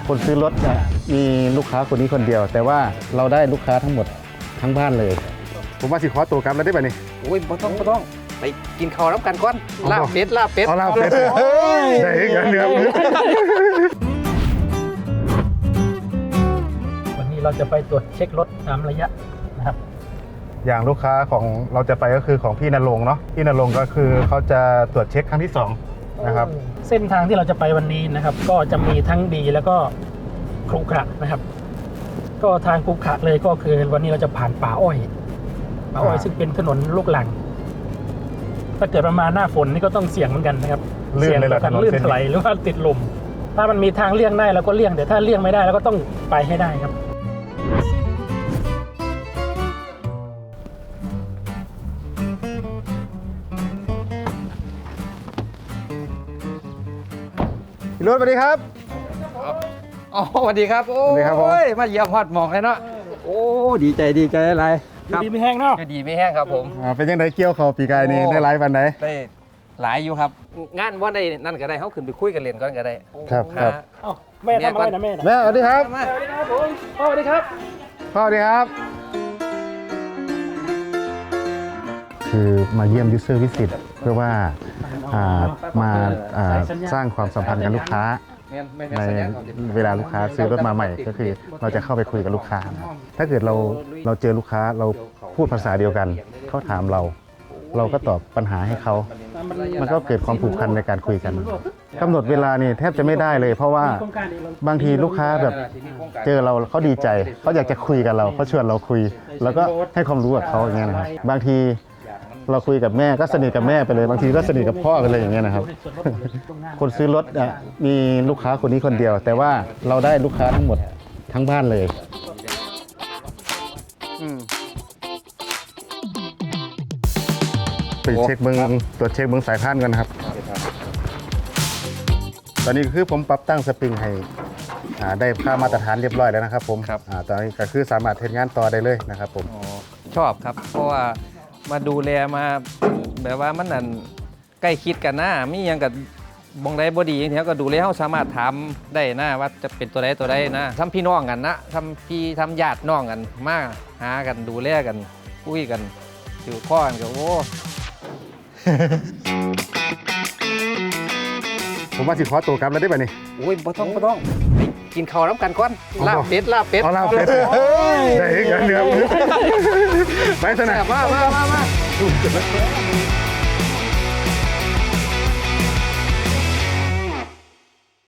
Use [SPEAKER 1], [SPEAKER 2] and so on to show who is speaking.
[SPEAKER 1] คนซื้อรถมีลูกค้าคนนี้คนเดียว แต่ว่าเราได้ลูกค้าทั้งหมดทั้งบ้านเลยผมว่าสิขอตัวกลับแล้วได้ป่ะนี่
[SPEAKER 2] โอ้ยบ่ต้องไปกินข้าวน้ำกันก่อนลาบเป็ด
[SPEAKER 1] เอาลาบเป็ดได้กันเนื้อ
[SPEAKER 3] วันนี้เราจะไปตรวจเช็ครถตามระยะนะครับ
[SPEAKER 1] อย่างลูกค้าของเราจะไปก็คือของพี่ณรงค์เนาะพี่ณรงค์ก็คือเขาจะตรวจเช็คครั้งที่2นะครับ
[SPEAKER 3] เส้นทางที่เราจะไปวันนี้นะครับก็จะมีทั้งดีแล้วก็ขรุขระนะครับก็ทางขรุขระเลยก็คือวันนี้เราจะผ่านป่าอ้อยซึ่งเป็นถนนลูกหลังถ้าเกิดประมาณหน้าฝนนี่ก็ต้องเสี่ยงเหมือนกันนะครับเสี่ยงต่อการลื่นถลายหรือว่าติดลมถ้ามันมีทางเลี่ยงได้เราก็เลี่ยงแต่ถ้าเลี่ยงไม่ได้เราก็ต้องไปให้ได้ครับ
[SPEAKER 1] พี่รถสวัสดีครับ
[SPEAKER 2] อ๋อสวัสดีครับโอ้ยมาเยี่ยมฮอดหมองเลยเนาะโอ้ดีใจอะไร
[SPEAKER 3] ดีไม่แห้งเนาะ
[SPEAKER 2] ดีไม่แห้งครับผม
[SPEAKER 1] เป็นยังไงเกี่ยวเขาปีกายนี่ได้ไลฟ์วันไหน
[SPEAKER 2] ได้หลายอยู่ครับงานว่าได้นั่นก็ได้เขาขึ้นไปคุยกันเรียนก่อนก็ได้
[SPEAKER 1] ครับ
[SPEAKER 3] แม่ทำอะไรนะ
[SPEAKER 1] แม่สวัสดีครับ
[SPEAKER 3] สวัสดีครับผมพ่อสวัสดีครับ
[SPEAKER 1] พ่อสวัสดีครับคือมาเยี่ยมยูเซอร์วิสิตเพื่อว่ามาสร้างความสัมพันธ์กับลูกค้าในเวลาลูกค้าซื้อรถมาใหม่ก็คือเราจะเข้าไปคุยกับลูกค้าถ้าเกิดเราเจอลูกค้าเราพูดภาษาเดียวกันเขาถามเราก็ตอบปัญหาให้เขามันก็เกิดความผูกพันในการคุยกันกำหนดเวลานี่แทบจะไม่ได้เลยเพราะว่าบางทีลูกค้าแบบเจอเราเขาดีใจเขาอยากจะคุยกับเราเขาชวนเราคุยแล้วก็ให้ความรู้กับเขาอย่างเงี้ยนะครับบางทีเราคุยกับแม่ก็สนิทกับแม่ไปเลยบางทีก็สนิทกับพ่อกันเลยอย่างเงี้ยนะครับคนซื้อรถมีลูกค้าคนนี้คนเดียว แต่ว่าเราได้ลูกค้าทั้งหมดทั้งบ้านเลยไปเช็คเบิ้งตรวจเช็คเบิ้งสายพานกันครับตอนนี้คือผมปรับตั้งสปริงให้ได้ค่ามาตรฐานเรียบร้อยแล้วนะครับผมตอนนี้ก็คือสามารถทำงานต่อได้เลยนะครับผม
[SPEAKER 2] ชอบครับเพราะว่ามาดูแลมาแบบว่ามันนั่นใกล้คิดกันนะมีอย่างกับบงได้บดีอย่างเงี้ยก็ดูแลเขาสามารถทำได้นะว่าจะเป็นตัวใดนะทำพี่น้องกันนะทำญาติน้องกันมาหากันดูแลกันคุยกันถือข้อกันก็โอ้
[SPEAKER 1] ผมว่าสิขอตัวกลับแล้วได้ป่ะนี่
[SPEAKER 2] โอ้ยบ่ต้องไปกินข้าวน้ำกันก่อนลาบเป็ด
[SPEAKER 1] เอาลาบเป็ดได้กันเนื้อไปสนามมา